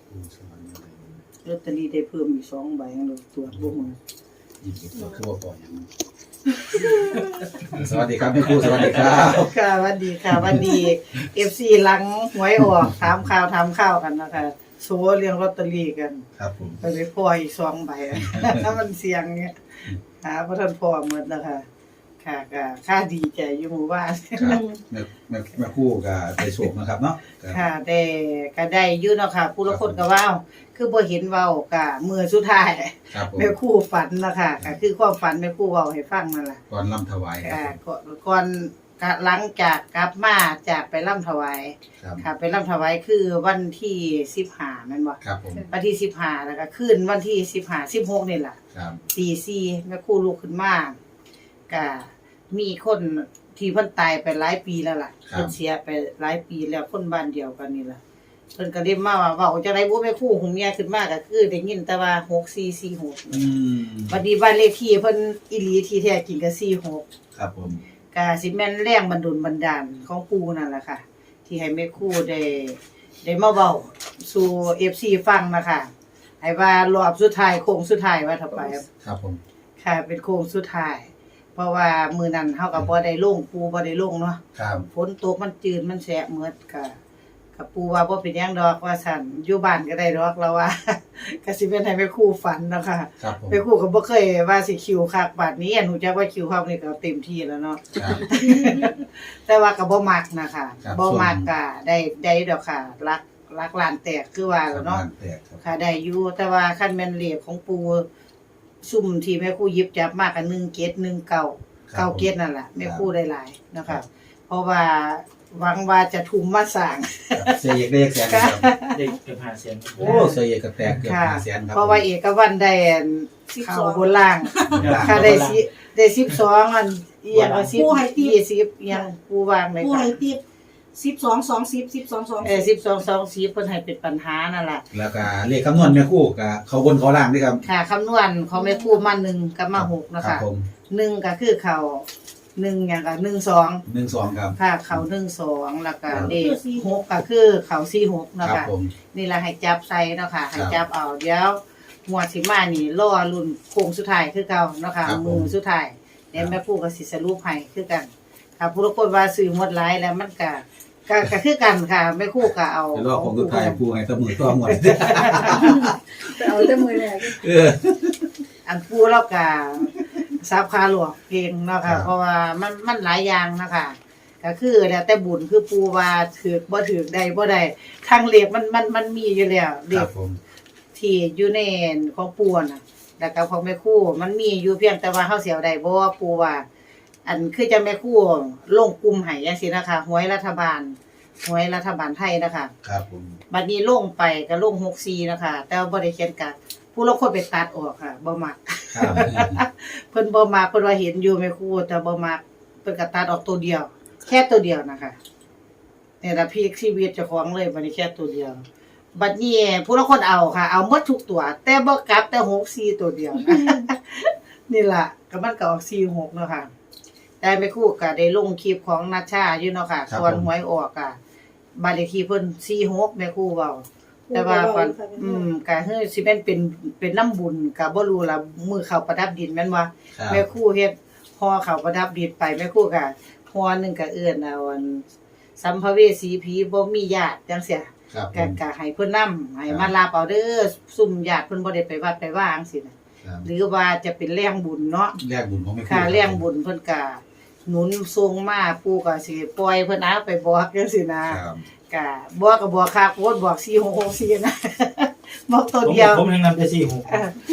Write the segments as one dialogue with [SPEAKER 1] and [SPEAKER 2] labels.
[SPEAKER 1] สวรรค์อะไร
[SPEAKER 2] ลอตเตอรี่ได้เพิ่มอีก2 ใบเราตรวจบ่หมด
[SPEAKER 1] ยินดีตัวคือว่าปล่อยอย่างนั้นสวัสดีครับแม่ครูสวัสดีครับ
[SPEAKER 2] ค่ะสวัสดีค่ะสวัสดี FC หลังหวยออกถามข่าวกันนะคะโชว์เรื่องลอตเตอรี่กัน
[SPEAKER 1] ครับผม
[SPEAKER 2] ไปได้พออีก2 ใบ ถ้ามันเสี่ยงเนี่ยหาบ่ทันพอหมดนะคะค่ะก็ค่าดีใจอยู่หมู่บ้าน
[SPEAKER 1] ครับแม่ครูกับได้โชคนะครับเนาะ
[SPEAKER 2] ค่ะได้ก็ได้อยู่เนาะค่ะผู้ละคนก็ว้าวคือบ่เห็นเว้าก็มื้อสุดท้าย
[SPEAKER 1] ครับผม
[SPEAKER 2] แม่ครูฝันนะคะก็คือความฝันแม่ครูเว้าให้ฟังนั่นล่ะ
[SPEAKER 1] ก่อนล่ำถวายครับ
[SPEAKER 2] ก่อนหลังจากกลับมาจากไปร่ำถวาย
[SPEAKER 1] ครับ
[SPEAKER 2] ค่ะไปร่ำถวายคือวันที่15แม่นบ่
[SPEAKER 1] ครับผม
[SPEAKER 2] วันที่15แล้วก็คืนวันที่15 16นี่ล่ะ
[SPEAKER 1] ครับ
[SPEAKER 2] ตี4แม่ครูลุกขึ้นมาก็มีคนที่เพิ่นตายไปหลายปีแล้วล่ะเพิ่นเสียไปหลายปีแล้วคนบ้านเดียวกันนี่ล่ะเพิ่นก็เรียกมาว่าเว้าจังได๋บ่แม่ครูหูเมียขึ้นมาก็คือได้ยินแต่ว่า6446
[SPEAKER 1] อืม
[SPEAKER 2] บัดนี้บ้านเลขที่เพิ่นอีหลีที่แท้จริงก็46
[SPEAKER 1] ครับผม
[SPEAKER 2] ก็สิแม่นแรงบันดาลของปู่นั่นล่ะค่ะ ที่ให้แม่ครูได้มาเว้าสู่ FC ฟังนะคะให้ว่ารอบสุดท้ายโค้งสุดท้ายว่าเท่าไป
[SPEAKER 1] ครับผม
[SPEAKER 2] ค่ะเป็นโค้งสุดท้าย เพราะว่ามื้อนั้นเฮาก็บ่ได้ลงปู่บ่ได้ลงเนาะ
[SPEAKER 1] ครับ
[SPEAKER 2] ฝนตกมันจืดมันแฉะหมดก็ปู่ว่าบ่เป็นหยังดอกว่าซั่นอยู่บ้านก็ได้ดอกแล้วว่า ก็สิเป็นให้แม่ครูฝันเนาะค่ะ
[SPEAKER 1] ครับผม
[SPEAKER 2] แม่ครูก็บ่เคยว่าสิคิวคักบัดนี้อันรู้จักว่าคิวคักนี่ก็เต็มที่แล้วเนาะ
[SPEAKER 1] ครับ
[SPEAKER 2] แต่ว่าก็บ่มักนะคะ
[SPEAKER 1] ครับ
[SPEAKER 2] บ่มักก็ได้ดอกค่ะรักล้านแตกคือว่า
[SPEAKER 1] ค
[SPEAKER 2] แล้
[SPEAKER 1] รับ
[SPEAKER 2] วเนาะ
[SPEAKER 1] บ้านแตกครับ
[SPEAKER 2] ค่ะได้อยู่แต่ว่าคันแม่นเลขของปู่ซุ่มที่แม่ครูหยิบจับมาก็1719 9เกตนั่นล่ะแม่ครูได้หลายเนาะค่ะเพราะว่าหวังว่าจะทุ่มมาสร้าง
[SPEAKER 1] เสียเอกได้แสนครับ
[SPEAKER 3] เด็กเกือบ500,000
[SPEAKER 1] โอ้เสียเอกก็แตกเกือบ5แสนครับ
[SPEAKER 2] เพราะว่าเอกวันได้อันเข้าบนล่าง
[SPEAKER 1] ครับ
[SPEAKER 2] ค่ะได้12อันอีหยังก็10 20อีหยังปูวางเลย
[SPEAKER 4] ผู้
[SPEAKER 2] ค่ะ
[SPEAKER 4] ให้ติด12 20
[SPEAKER 2] 12 20เพิ่นให้เป็นปัญหานั่นล่ะ
[SPEAKER 1] แล้วก็เลขคำนวณแม่ครูกับเขาบนเขาล่างด้วยครับ
[SPEAKER 2] ค่ะคำนวณของแม่ครูมา1กับมา6นะ
[SPEAKER 1] ครั
[SPEAKER 2] คะ
[SPEAKER 1] บผม
[SPEAKER 2] 1ก็คือเขา1หยังก็12
[SPEAKER 1] 12ครับ
[SPEAKER 2] ค่ะเขา12แล้วก็
[SPEAKER 1] ครับ
[SPEAKER 2] เลข6ก็คือเขา46เนาะ
[SPEAKER 1] ครับ
[SPEAKER 2] ค่ะ
[SPEAKER 1] ผม
[SPEAKER 2] นี่ล่ะให้จับใส่เนาะค่ะให้
[SPEAKER 1] ครับ
[SPEAKER 2] จับเอาเดี๋ยวหมวดสิมานี่รอรุ่นโค้งสุดท้ายคือเก่าเนาะค่ะ
[SPEAKER 1] ครับผม
[SPEAKER 2] มือสุดท้ายเดี๋ยวแม่ครูก็สิสรุปให้คือกันค่ะผู้ละคนว่าซื้อหมดหลายแล้วมันก็คือกันค่ะแม่ครูก็เอา
[SPEAKER 1] เดี๋ยวรอของสุดท้ายครูให้ตะมือตัวหมด
[SPEAKER 4] เอาแต่มือแรก
[SPEAKER 1] เออ
[SPEAKER 2] อันปูแล้วก็ซับคาหลวงเก่งเนาะ
[SPEAKER 1] ครั
[SPEAKER 2] ค่ะ
[SPEAKER 1] บ
[SPEAKER 2] เพราะว่ามันหลายอย่างนะคะก็คือแล้วแต่บุญคือปูว่าถือบ่ถือได้บ่ได้ทางเลขมันมีอยู่แล้วเล
[SPEAKER 1] ครั
[SPEAKER 2] ข
[SPEAKER 1] บผม
[SPEAKER 2] ที่อยู่ในของปูน่ะแล้วก็ของแม่ครูมันมีอยู่เพียงแต่ว่าเฮาสิเอาได้บ่ว่าปูว่า อันคือจะแม่ครูลงกลุ่มให้จังซี่นะคะหวยรัฐบาลไทยนะคะ
[SPEAKER 1] ครับผม
[SPEAKER 2] บัดนี้ลงไปก็ลง64นะคะแต่ว่าบ่ได้เขียนกัดผู้ลางคนไปตัดออกค่ะบ่มัก
[SPEAKER 1] ครับ
[SPEAKER 2] เพิ่นบ่มักเพิ่นว่าเห็นอยู่แม่ครูแต่บ่มักเพิ่นก็ตัดออกตัวเดียว แค่ตัวเดียวนะคะนี่ล่ะพีคชีวิตเจ้าของเลยบัดนี้แค่ตัวเดียว บัดนี้ผู้ลางคนเอาค่ะ เอาหมดทุกตัว แต่บ่กลับแต่64ตัวเดียวนะ นี่ล่ะก็มันก็ออก46เนาะค่ะแต่แม่ครูก็ได้ลงคลิปของนัชชาอยู่เนาะค่ะส่วนหวยออกอ่ะบ้านเลขที่เพิ่น46แม่ครูเว้า แต่ว่าก่อนก็คือสิแม่นเป็นน้ำบุญก็บ่รู้ล่ะมื้อเข้าประดับดินแม่นบ่
[SPEAKER 1] ครับ
[SPEAKER 2] แม่ครูเฮ็ดห่อเข้าประดับดินไปแม่ครูก็ห่อหนึงก็เอื้อนเอาอันสัมภเวสีผีบ่มีญาติจังซี่
[SPEAKER 1] ครับผ
[SPEAKER 2] ก็
[SPEAKER 1] ม
[SPEAKER 2] ก็ให้เพิ่นนำให้มารับเอาเด้อซุ่มญาติเพิ่นบ่ได้ไปวัดไปว่าจังซี่นะครับ หรือว่าจะเป็นแรงบุญเนาะ
[SPEAKER 1] แลกบุญของแม่ครู
[SPEAKER 2] ค่ะแรงบุญเพิ่นก็หนุนทรงมาปู่ก็สิปล่อยเพิ่นเอาไปบอกจังซี่นะครับ ก็บอกคักโพดบอก4664นะ บอกตัวเดียว
[SPEAKER 3] ผมยังนำแต่46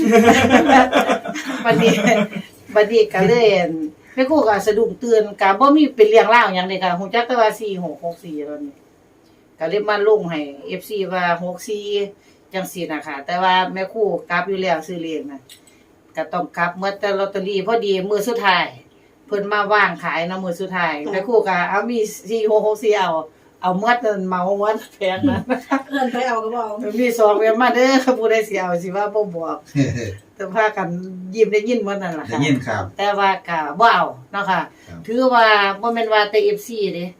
[SPEAKER 2] บัดนี้ก็เลยอั่นแม่ครูก็สะดุ้งตื่นก็บ่มีเป็นเรื่องราวหยังเลยค่ะฮู้จักแต่ว่า4664แล้วนี่ก็เลยมาลงให้ FC ว่า64จังซี่น่ะค่ะแต่ว่าแม่ครูกลับอยู่แล้วซื้อเลขน่ะก็ต้องกลับหมดแต่ลอตเตอรี่พอดีมื้อสุดท้ายเพิ่นมาวางขายเนาะมื้อสุดท้ายแม่ครูก็เอามี4664เอาหมดนั่นเหมาหมดแพงนั้น
[SPEAKER 4] เอิ้นไปเอาก็บ่เอา
[SPEAKER 2] มีสองเวียนมาเด้อผู้ใดสิเอาสิว่าบ่บอกแต่พากันยิ้มได้ยินหมดนั่นล่ะ
[SPEAKER 1] ได้
[SPEAKER 2] ค่ะ
[SPEAKER 1] ยินครับ
[SPEAKER 2] แต่ว่าก็บ่เอาเนาะค่ะ
[SPEAKER 1] ครับ
[SPEAKER 2] ถือว่าบ่แม่นว่าแต่ FC เด้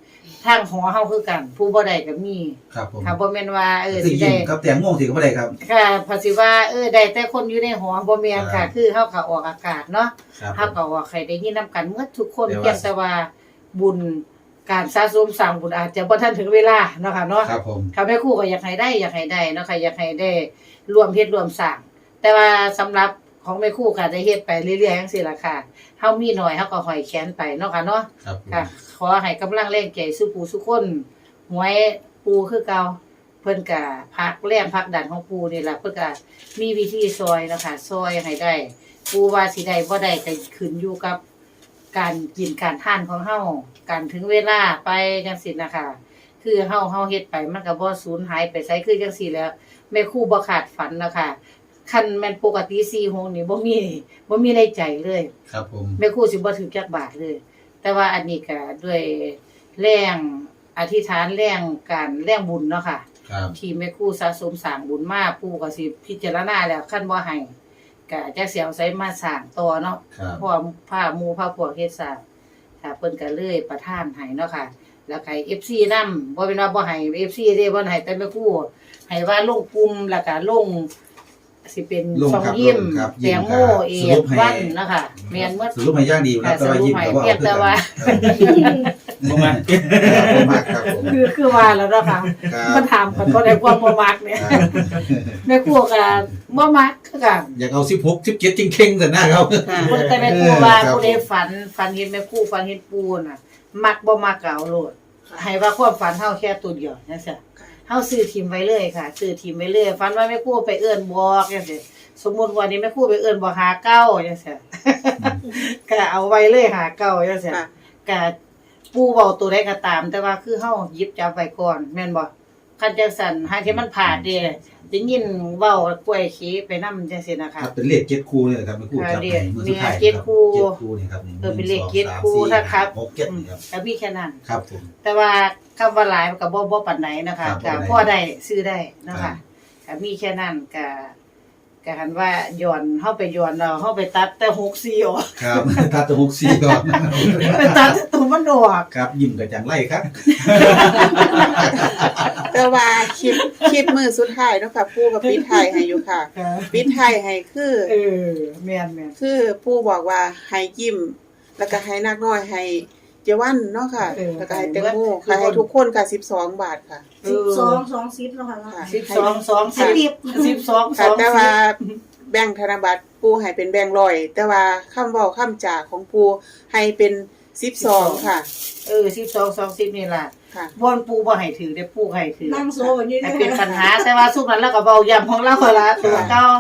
[SPEAKER 2] ทางหอเฮาคือกัน ผู้บ่ได้ก็มี
[SPEAKER 1] ครับผม
[SPEAKER 2] ค่ะบ่แม่นว่า
[SPEAKER 1] คือ
[SPEAKER 2] สิ
[SPEAKER 1] ยิ้
[SPEAKER 2] ได้
[SPEAKER 1] มกับแตงโมสิก็บ่ได้ครับ
[SPEAKER 2] ค่ะภาษีว่าได้แต่คนอยู่ในหอบ่แม่นค่ะ คือเฮาก็ออกอากาศเนาะ
[SPEAKER 1] ครับ
[SPEAKER 2] เฮาก็ว่าใครได้ยินนำกันหมดทุกคน
[SPEAKER 1] แต่ว่า
[SPEAKER 2] เพียงแต่ว่าบุญการสะสมสร้างบุญอาจจะบ่ทันถึงเวลาเนาะค่ะเนาะ
[SPEAKER 1] ครับผม
[SPEAKER 2] ค่ะแม่ครูก็อยากให้ได้เนาะค่ะอยากให้ได้รวมเฮ็ดรวมสร้างแต่ว่าสำหรับของแม่ครูก็ได้เฮ็ดไปเรื่อยๆจังซี่ล่ะค่ะเฮามีน้อยเฮาก็ห้อยแขนไปเนาะค่ะเนาะ
[SPEAKER 1] ครับผม
[SPEAKER 2] ค่ะขอให้กำลังแรงใจสู่ผู้สุคนหวยปูคือเก่าเพิ่นก็พักแรงพักดันของปูนี่ล่ะเพิ่นก็มีวิธีซอยนะคะซอยให้ได้ปูว่าสิได้บ่ได้ก็ขึ้นอยู่กับการกินการทานของเฮาการถึงเวลาไปจังซี่นะคะคือเฮาเฮ็ดไปมันก็บ่สูญหายไปไสคือจังซี่แล้วแม่ครูบ่ขาดฝันนะคะคันแม่นปกติ4โมงนี่บ่มีในใจเลย
[SPEAKER 1] ครับผม
[SPEAKER 2] แม่ครูสิบ่ถึงจักบาทเลย แต่ว่าอันนี้ก็ด้วยแรงอธิษฐานแรงการแรงบุญเนาะค่ะ
[SPEAKER 1] ครับ
[SPEAKER 2] ที่แม่ครูสะสมสร้างบุญมาปู่ก็สิพิจารณาแล้วคันบ่ให้ก็จักสิเอาไสมาสร้างต่อเนาะ
[SPEAKER 1] ครับ
[SPEAKER 2] เพราะว่าพาหมู่พาพวกเฮ็ดสร้างค่ะเพิ่นก็เลยประทานให้เนาะค่ะ แล้วก็ FC นำบ่เป็นว่าบ่ให้ FC เด้บ่ให้แต่แม่ครูให้ว่าลงกลุ่มแล้วก็ลงสิเป็น
[SPEAKER 1] ลง
[SPEAKER 2] ช่อง
[SPEAKER 1] ครับ
[SPEAKER 2] ยิ้ม
[SPEAKER 1] ลงครับ
[SPEAKER 2] แตงโม
[SPEAKER 1] ยิ้ม
[SPEAKER 2] เอ
[SPEAKER 1] ครับ
[SPEAKER 2] กวันเนาะค่ะแม่นหมด
[SPEAKER 1] สรุปให้อย่างดีนะแต่ว่ายิ้มก็บ่
[SPEAKER 2] เพียงแต่ว่า
[SPEAKER 3] บ่มา
[SPEAKER 1] บ่มากครับผม
[SPEAKER 2] คือว่าแล้วเนาะค่ะ
[SPEAKER 1] ครั
[SPEAKER 2] มั
[SPEAKER 1] บ
[SPEAKER 2] นถามกันบ่ได้ความบ่มักเนี่ย
[SPEAKER 1] ครับ
[SPEAKER 2] แม่ครัวก็บ่มักคือกัน
[SPEAKER 1] อยากเอา16 17จริงเข่งๆซั่นนะครับ
[SPEAKER 2] คนแต่แม่ครัวว่า
[SPEAKER 1] ครับ
[SPEAKER 2] ผู้ใดฝันเห็นแม่ครัวฝันเห็นปูน่ะ มักบ่มักก็เอาโลดให้ว่าความฝันเฮาแค่ตัวเดียวจังซี่เฮาซื้อทิมไว้เลยค่ะซื้อทิมไว้เลยฝันว่าแม่ครัวไปเอิ้นบอกจังซี่สมมุติว่านี่แม่ครัวไปเอิ้นบอกหาเก้าจังซี่ก็เอาไว้เลยหาเก้าจังซี่ก็ปูเว้าตัวใดก็ตาม แต่ว่าคือเฮาหยิบจับไว้ก่อนแม่นบ่คันจังซั่นหาที่มันพลาดเด้ได้ยินเว้ากล้วยขี้ไปนำจังซี่นะ
[SPEAKER 1] ครั
[SPEAKER 2] คะ
[SPEAKER 1] บเป็นเลข7คู่นี่แหละครับเป็นคู่จับให้มือสุดท้าย
[SPEAKER 2] เจ็ดคู่
[SPEAKER 1] 7คู่นี่ครับนี่
[SPEAKER 2] เป็นเลขเจ็ดคู่ถ้าครับ
[SPEAKER 1] 6 7นี่ครับ
[SPEAKER 2] ก็มีแค่นั้น
[SPEAKER 1] ครับผม
[SPEAKER 2] แต่ว่าคำว่าหลายมันก็บ่ปานไหนนะคะ
[SPEAKER 1] ครับ
[SPEAKER 2] ก็พอได้ซื้อได้เนาะ
[SPEAKER 1] ครั
[SPEAKER 2] ค่ะ
[SPEAKER 1] บ
[SPEAKER 2] ก็มีแค่นั้นก็หันว่าย้อนเฮาไปย้อนเอาเฮาไปตัดแต่64ออก
[SPEAKER 1] ครับถ้าตัว64ก่อน
[SPEAKER 2] ไปตัดแต่ตัวมันออก
[SPEAKER 1] ครับยิ้มก็จังไรครับ
[SPEAKER 5] แต่ว่าคลิปมือสุดท้ายเนาะค่ะปู่กับปิดท้ายให้อยู่ค่ะปิดท้ายให้คือ
[SPEAKER 2] แม่น
[SPEAKER 5] คือปู่บอกว่าให้ยิ้ม แล้วก็ให้นักน้อยให้เจวันเนาะค่ะ แล้วก็ให้แตงโมค่ะให้ทุกคนค่ะ12 บาทค่ะ
[SPEAKER 4] 12 แล้วค่ะ
[SPEAKER 5] ค่ะ
[SPEAKER 2] 12
[SPEAKER 5] ค่ะแต่ว่าแบ่งค์ธนบัตรปู่ให้เป็นแบ่งค์ร้อยแต่ว่าคำเว้าคำจาของปู่ให้เป็น12ค่ะ
[SPEAKER 2] 12 20นี่ล่ะ
[SPEAKER 5] ค่ะ
[SPEAKER 2] บ่อนปูบ่ให้ถือได้ปูให้ถือ
[SPEAKER 4] นั่งโซนอยู่
[SPEAKER 2] ให้
[SPEAKER 4] นี่
[SPEAKER 2] เป็นปัญหาแต่ว่าสุกนั้นเราก็เบาย่ำของเราละตัวเก่า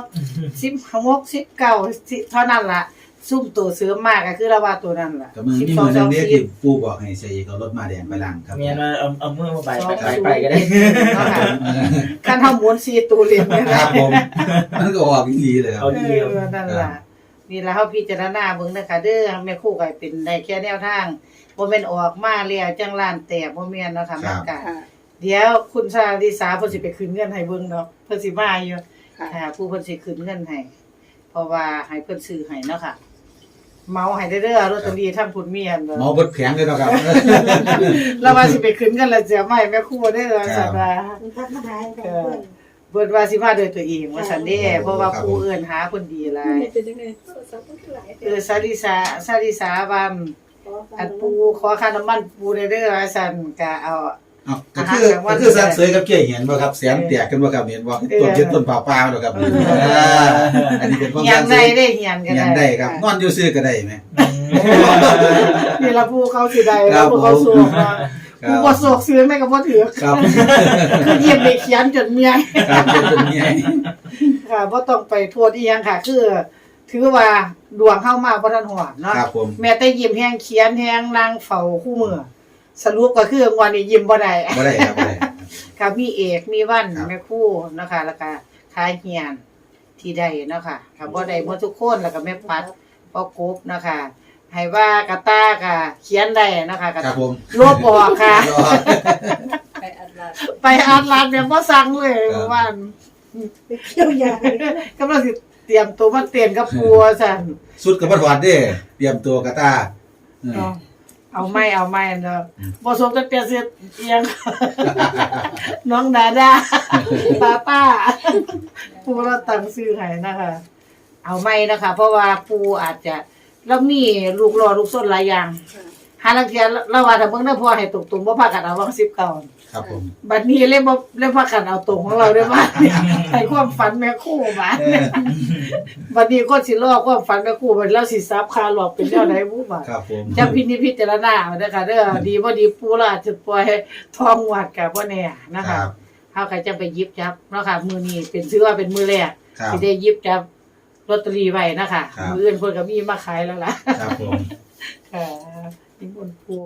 [SPEAKER 2] 16 19เท่านั้นล่ะซุ่มตัวเสือมากก็คือเราว่าตัวนั้นล่ะ
[SPEAKER 1] ก็มือนี่มือนึงเรียกที่ปู่บอกให้ใส่เอารถมาแดงไปล้างครับ
[SPEAKER 3] เมียนว่าเอามือมาไปก็ได้
[SPEAKER 2] เนาะค่ะคันเฮาหมุน4ตัวเหรียญเนี่ย
[SPEAKER 1] ค
[SPEAKER 2] นะ
[SPEAKER 1] รับผมมันก็ออกอีหลีเลยครับ
[SPEAKER 3] เอาเดียว
[SPEAKER 2] นั่นล่ะนี่ล่ะเฮาพิจารณาเบิ่งนะคะเด้อแม่ครูก็เป็นได้แค่แนวทางบ่แม่นออกมาแล้วจังล้านแตกบ่แม่นเนาะค่ะมันก็
[SPEAKER 5] ค่ะ
[SPEAKER 2] เดี๋ยวคุณชาลิสาเพิ่นสิไปคืนเงินให้เบิ่งเนาะเพิ่นสิมาอยู่
[SPEAKER 5] ค่ะ
[SPEAKER 2] ค่ะผู้เพิ่นสิคืนเงินให้เพราะว่าให้เพิ่นซื้อให้เนาะค่ะเมาให้เด้อลอตเตอรี่ทั้งพุ่นมีหั่นบ่
[SPEAKER 1] หมอเบิดแผงเลยเนาะครับ
[SPEAKER 2] แล้วว่าสิไปคืนเงินแล้วเสียไม่แม่ครูได้อว่าซั่นว่า
[SPEAKER 4] มันพักมาหายกันเพื่อน
[SPEAKER 2] เพิ่นว่าสิมาด้วยตัวเองว่าซั่นเด้เพราะว่าผู้เอิ้นหาเพิ่นดีหลาย
[SPEAKER 4] เป็นจังได๋โทรศัพท์มันหลาย
[SPEAKER 2] ซาลิสาว่าอันปูขอค่าน้ำมันปูได้เด้อว่าซั่นก็เอา
[SPEAKER 1] อ้าวก็คือสักเสยกับเกี้ยเห็นบ่ครับแสนแตกกันบ่ครับเห็นบ่ต้นยึดต้นเปล่าๆเนาะครับอันนี้เป็นความ
[SPEAKER 2] เฮีย
[SPEAKER 1] สั
[SPEAKER 2] น
[SPEAKER 1] กเส
[SPEAKER 2] ได้
[SPEAKER 1] ย
[SPEAKER 2] ได้เฮียนก็
[SPEAKER 1] ยันได้ครับนอนอยู่ซื่อก็ได้แหม
[SPEAKER 2] นี่ละผู้เขาสิได้แล้วผู้เขาสวกเนาะผู้บ่สวกซื้อแม่ก็บ่ถือ
[SPEAKER 1] ครับ
[SPEAKER 2] คือเยี่ยมไปเขียนจนเมีย
[SPEAKER 1] ครับเป็นไง
[SPEAKER 2] ค่ะบ่ต้องไปโทษอีหยังค่ะ คือถือว่าดวงเฮามาบ่ทันฮอดเนาะ
[SPEAKER 1] ครับผม
[SPEAKER 2] แม้แต่ยิ้มแฮงเขียนแฮงนางเฝ้าคู่มือสรุปก็คืองวดนี้ยิ้มบ่ได้
[SPEAKER 1] บ่ได้ครับบ่ได้
[SPEAKER 2] ค่ะมีเอกมีวัน
[SPEAKER 1] ครับ
[SPEAKER 2] แม่ครู่นะคะแล้วก็คายเฮียนที่ได้เนาะค่ะค่ะบ่ได้หมดทุกคนแล้วก็แม่ปัดพ่อกบนะคะให้ว่ากระตาก็เขียนได้นะคะก็
[SPEAKER 1] ครับผม
[SPEAKER 2] ลบออกค่ะ
[SPEAKER 1] รอ
[SPEAKER 4] ไปอัดลา
[SPEAKER 2] ไปอ่านร้านเนี่ยบ่สั่งเลยเมื่อวาน
[SPEAKER 4] ไปเที่ยวยาก
[SPEAKER 2] ำลังสิเตรียมตัวมาเต้นกับปัวซั่น
[SPEAKER 1] สุดกับบ่ถอดเด้เตรียมตัวกระตา
[SPEAKER 2] เนาะเอาไม่เนาะบ่สมกับเปียเสียเอียง น้องดาดาป้าปูเราตั้งชื่อให้นะคะเอาไม่นะคะ เพราะว่าปูอาจจะแล้วมีลูกหล่อลูกส้นหลายอย่างหาลังเทียเราว่าถ้าเบิ่งได้พอให้ตรงๆบ่พากันเอาวัง19
[SPEAKER 1] ครับผม
[SPEAKER 2] บัดนี้เลยพากันเอาตรงของเราได้มาให้ความฝันแม่ครู่มาบัดนี้คนสิรอความฝันแม่ครู่บัดแล้วสิซับคาหลอกเป็นแนวใดบ่บาด
[SPEAKER 1] ครับผม
[SPEAKER 2] จังพิจารณาเอาเด้อค่ะเด้อดีบ่ดีปูล่ะจะปล่อยให้ทองวัดก็บ่แน่นะ
[SPEAKER 1] ค
[SPEAKER 2] คะ
[SPEAKER 1] รับ
[SPEAKER 2] เฮาก็จะไปหยิบจับเนาะค่ะมื้อนี้เป็นชื่อว่าเป็นมื้อแรก
[SPEAKER 1] ครับ
[SPEAKER 2] ที่ได้หยิบจับลอตเตอรี่ไว้นะคะ
[SPEAKER 1] ครับ
[SPEAKER 2] มื้ออื่นเพิ่นก็มีมาขายแล้วล่ะ
[SPEAKER 1] ครับผม
[SPEAKER 2] ค่ะนิมนต์ปู